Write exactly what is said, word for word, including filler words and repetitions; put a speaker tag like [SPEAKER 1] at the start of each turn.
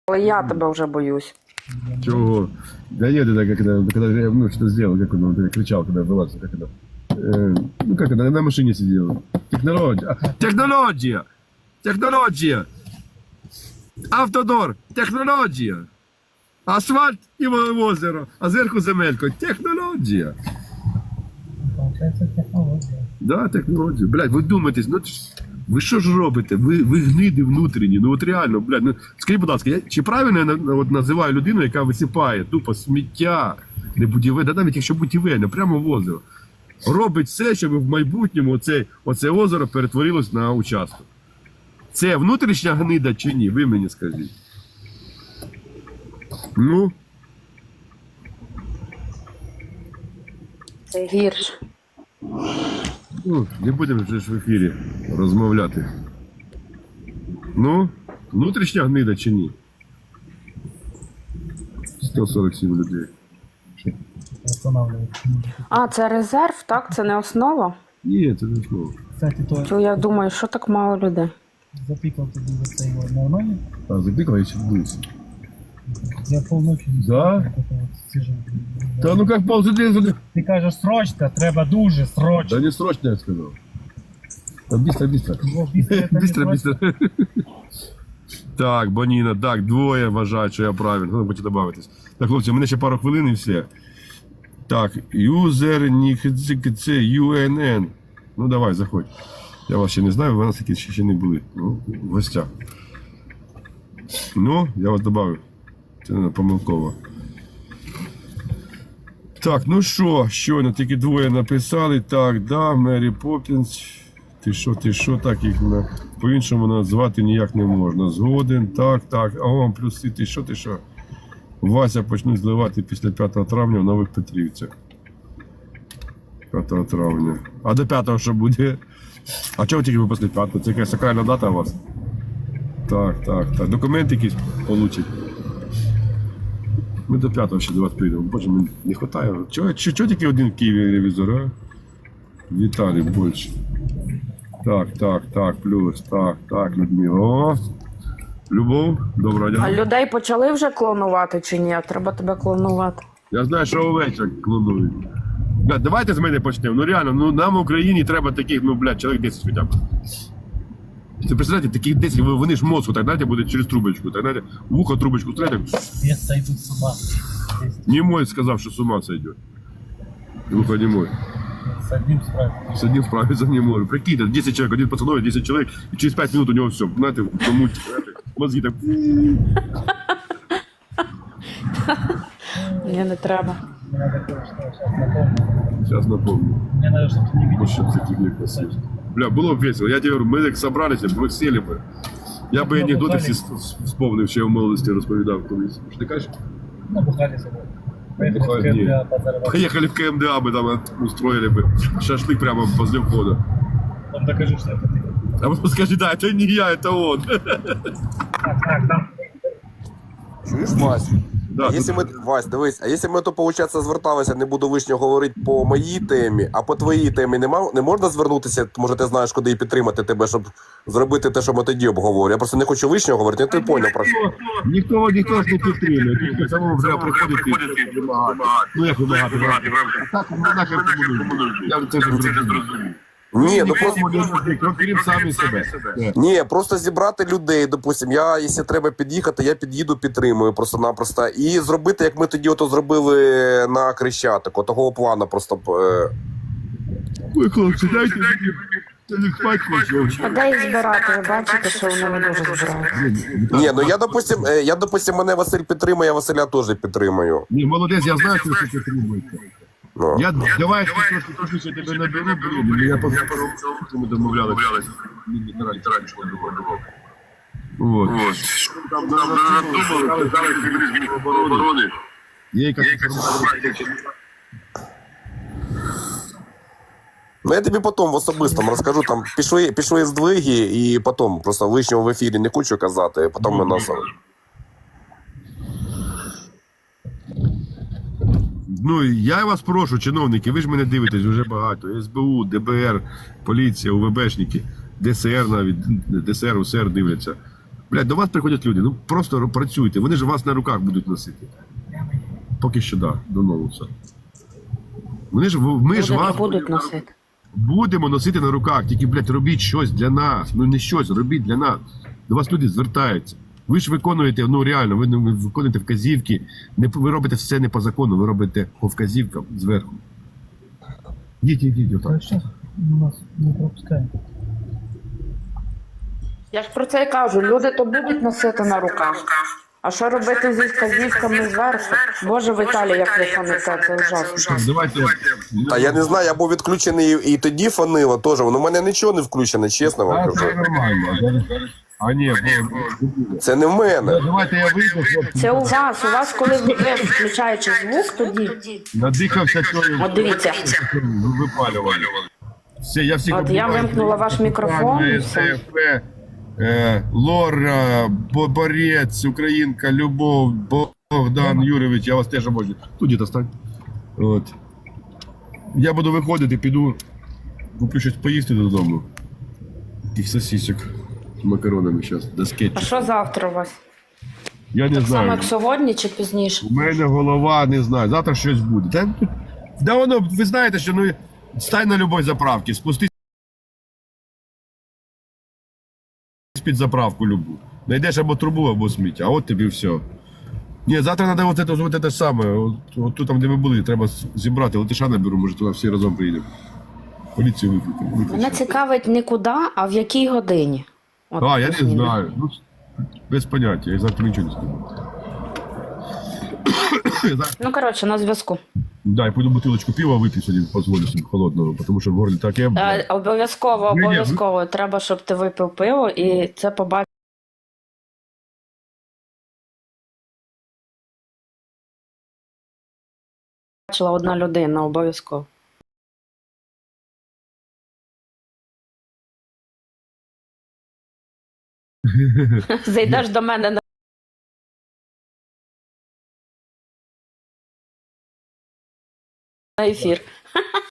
[SPEAKER 1] Але я тебе вже боюсь.
[SPEAKER 2] Чего? Да нет, это как это, когда я ну, что-то сделал, как он, он кричал, когда вылазил, как это. Э, ну как это, на машине сидел. Технология. А, технология! Технология! Автодор! Технология! Асфальт і озеро, а зверху земелько. Технологія.
[SPEAKER 3] Получається технологія.
[SPEAKER 2] Да, технологія. Блядь, ви думаєте, ну ви що ж робите? Ви, ви гниди внутрішні. Ну от реально, блядь, ну скажіть, будь ласка, я, чи правильно я на- от, називаю людину, яка висипає тупо сміття, не будівельне, да навіть якщо будівельне, прямо в озеро. Робить все, щоб в майбутньому оце, оце озеро перетворилось на участок. Це внутрішня гнида чи ні? Ви мені скажіть. Ну,
[SPEAKER 1] Це гірше.
[SPEAKER 2] ну, не будемо вже ж в ефірі розмовляти. Ну, внутрішня гнида чи ні? сто сорок сім людей.
[SPEAKER 3] Останавливається.
[SPEAKER 1] А, це резерв, так? Це не основа?
[SPEAKER 2] Ні, це не слово.
[SPEAKER 3] Кстати, то
[SPEAKER 1] То я думаю, що так мало людей.
[SPEAKER 3] запікав тобі за це його нормально?
[SPEAKER 2] А, запікав, я ще вдивився.
[SPEAKER 3] Я полночі не
[SPEAKER 2] Да?
[SPEAKER 3] так от сижу.
[SPEAKER 2] Та ну як ползати?
[SPEAKER 3] Ти кажеш срочно, треба дуже срочно.
[SPEAKER 2] Да не срочно, я сказав. Та быстро, быстро.
[SPEAKER 3] Бо після це не
[SPEAKER 2] Быстро,
[SPEAKER 3] срочно.
[SPEAKER 2] быстро. Так, Боніна, так, двоє вважають, що я правильно. Ну, будете добавитись. Так, хлопці, у мене ще пару хвилин і все. Так, юзер, це ю ен ен. Ну, давай, заходь. Я вас ще не знаю, ви нас такі ще, ще не були. Ну, в гостях. Ну, я вас добавив. Це не помилково. Так, ну що, щойно тільки двоє написали. Так, да, Мері Поппінс. Ти що, ти що, так їх на... по-іншому назвати ніяк не можна. Згоден, так, так. А он плюси, ти що, ти що? Вася почнуть зливати після п'ятого травня в Нових Петрівцях. п'ятого травня. А до п'ятого що буде? А чого тільки ви після п'ятого? Це якась сакральна дата у вас? Так, так, так. Документи якісь получать. Ми до п'ятого ще до вас прийдемо. Боже, мені не вистачає. Чого, чого, чого тільки один в Києві ревізор, а? Віталій більше. Так, так, так, плюс, так, так, Людмила. О, Любов, доброго
[SPEAKER 1] А
[SPEAKER 2] дня.
[SPEAKER 1] людей почали вже клонувати чи ні? Треба тебе клонувати.
[SPEAKER 2] Я знаю, що овечок клонують. Блядь, давайте з мене почнемо. Ну реально, ну нам в Україні треба таких, ну, блядь, чоловік десять хоча б. Це представляєте, таких десять, ви- вони ж мозку, так знаєте, буде через трубочку, так знаєте, в ухо трубочку стрелять.
[SPEAKER 3] Я сойду з ума.
[SPEAKER 2] Немой сказав, що з ума сойдет. Ухо немой.
[SPEAKER 3] З одним справді.
[SPEAKER 2] С одним справиться не может. Прикиньте, десять человек, один пацанов, десять человек, и через пять минут у него все, знаете, тому, знаете, мозги так.
[SPEAKER 1] Ні, не треба.
[SPEAKER 3] Мені треба кое-що зараз напомню.
[SPEAKER 2] Сейчас напомню.
[SPEAKER 3] Мені треба, щоб ти не
[SPEAKER 2] Вот
[SPEAKER 3] видел.
[SPEAKER 2] сейчас таких не красивых. Бля, было бы весело. Я тебе говорю, мы так собрались, мы сели бы. Я бы анекдоти всі вспомнив, що я в молодості розповідав колись. Що ти кажеш?
[SPEAKER 3] Набухали собою. Поїхали в
[SPEAKER 2] Набухали, ні.
[SPEAKER 3] КМДА позарывать.
[SPEAKER 2] Поехали в ка ем де а бы там устроили бы. Шашлык прямо возле входа.
[SPEAKER 3] Там докажи, что это ты.
[SPEAKER 2] А потом скажи, да, это не я, это он.
[SPEAKER 3] Так, так, там.
[SPEAKER 4] Чуєш, Вась?
[SPEAKER 2] Да,
[SPEAKER 4] А
[SPEAKER 2] тут-
[SPEAKER 4] якщо ми, Вась, дивись, а якщо ми то, виходить, зверталися, не буду вишнього говорити по моїй темі, а по твоїй темі нема, не можна звернутися, може ти знаєш, куди і підтримати тебе, щоб зробити те, що ми тоді обговорювали. Я просто не хочу вишнього говорити, ну ти поняв про що.
[SPEAKER 2] Ніхто, ніхто ж не підтримує. Тільки самому вже приходить і вимагати. Ну як вимагати? Так, ну нахер кому нужно. Я це вже зрозумів.
[SPEAKER 4] Ні, ну просто...
[SPEAKER 2] Ну, крім самі себе.
[SPEAKER 4] Ні, просто зібрати людей, допустим, я, якщо треба під'їхати, я під'їду, підтримую просто-напросто. І зробити, як ми тоді ото зробили на Крещатику, того плану просто... е,
[SPEAKER 2] Ой, хлопці, дайте мені. Я не спать хочу.
[SPEAKER 1] Людей збирати, ви бачите, що вони не дуже збирають.
[SPEAKER 4] Ні, ну я, допустим, е, я, допустим, мене Василь підтримує, я Василя теж підтримую.
[SPEAKER 2] Ні, молодець, я знаю, що ти потребуєте.
[SPEAKER 4] Ну.
[SPEAKER 2] Я давай трошки пізніше тебе наберу, блін. Я по ми домовлялися. Мені не раніше Вот. Там надумали, зараз міністр оборони. Є якась інформація.
[SPEAKER 4] Ну я тобі потім в особистому розкажу, там пішли, пішли здвиги і потім просто лишнього в ефірі не хочу казати, потім ми нас...
[SPEAKER 2] Ну, я вас прошу, чиновники, ви ж мене дивитесь вже багато. ес бе у, де бе ер, поліція, у ве бешники, де се ер навіть, де се ер, у се ер дивляться. Блядь, до вас приходять люди, ну просто працюйте, вони ж вас на руках будуть носити. Поки що, да, до новуса. Вони ж, ми ж
[SPEAKER 1] Будуть,
[SPEAKER 2] вас
[SPEAKER 1] будуть носити.
[SPEAKER 2] будемо носити на руках, тільки, блядь, робіть щось для нас. Ну не щось, робіть для нас. До вас люди звертаються. Ви ж виконуєте, ну реально, ви, ви виконуєте вказівки, не, ви робите все не по закону, ви робите по вказівкам зверху. Йдіть, йдіть, отак.
[SPEAKER 3] Сейчас у нас не пропускаем.
[SPEAKER 1] Я ж про це і кажу, люди то будуть носити на руках. А що робити зі вказівками зверху? Боже, Віталій, як ви фоните, це ужасно.
[SPEAKER 2] Так, давайте.
[SPEAKER 4] Та я не знаю, я був відключений і тоді фанило теж. Воно в мене нічого не включено, чесно вам
[SPEAKER 2] А, це
[SPEAKER 4] кажу.
[SPEAKER 2] нормально. А ні, бо...
[SPEAKER 4] Це не в мене.
[SPEAKER 2] Давайте я вийду, хлопці.
[SPEAKER 1] Це у вас, у вас, коли ви включаєте звук, тоді...
[SPEAKER 2] Надихався тою.
[SPEAKER 1] От дивіться.
[SPEAKER 2] Випалювали. Все, я всіх
[SPEAKER 1] От я
[SPEAKER 2] обіймаю.
[SPEAKER 1] вимкнула ваш мікрофон і все.
[SPEAKER 2] ТФ, е, Лора, Бо- Борець, Українка, Любов, Богдан Юрійович, я вас теж обожнюю. Тут діта стань. От. Я буду виходити, піду, куплю щось поїсти додому. Таких сосисок з макаронами зараз, до
[SPEAKER 1] А
[SPEAKER 2] скетчу.
[SPEAKER 1] що завтра у вас?
[SPEAKER 2] Я не
[SPEAKER 1] Так само,
[SPEAKER 2] знаю.
[SPEAKER 1] як сьогодні чи пізніше?
[SPEAKER 2] У мене голова, не знаю, завтра щось буде. Та, да воно, ви знаєте, що ну, стань на любой заправці, спустись під заправку любу. Найдеш або трубу, або сміття, а от тобі все. Ні, завтра треба от це, от це саме, от, от тут там, де ми були, треба зібрати, латиша наберу, може туди всі разом приїдемо. Поліцію викликати.
[SPEAKER 1] Мене цікавить не куди, а в якій годині. От,
[SPEAKER 2] А, я не
[SPEAKER 1] плюс-мінус.
[SPEAKER 2] знаю. Ну, без поняття, я завтра нічого не скажу.
[SPEAKER 1] Ну, коротше, на зв'язку.
[SPEAKER 2] Да, я пойду бутилочку пива вип'ю сьогодні, позволю собі холодного, тому що в горлі таке.
[SPEAKER 1] Е, обов'язково,
[SPEAKER 2] Ні-ні, ви-
[SPEAKER 1] обов'язково. Треба, щоб ти випив пиво, і це побачила одна людина, обов'язково. Зайдеш до мене на на ефір.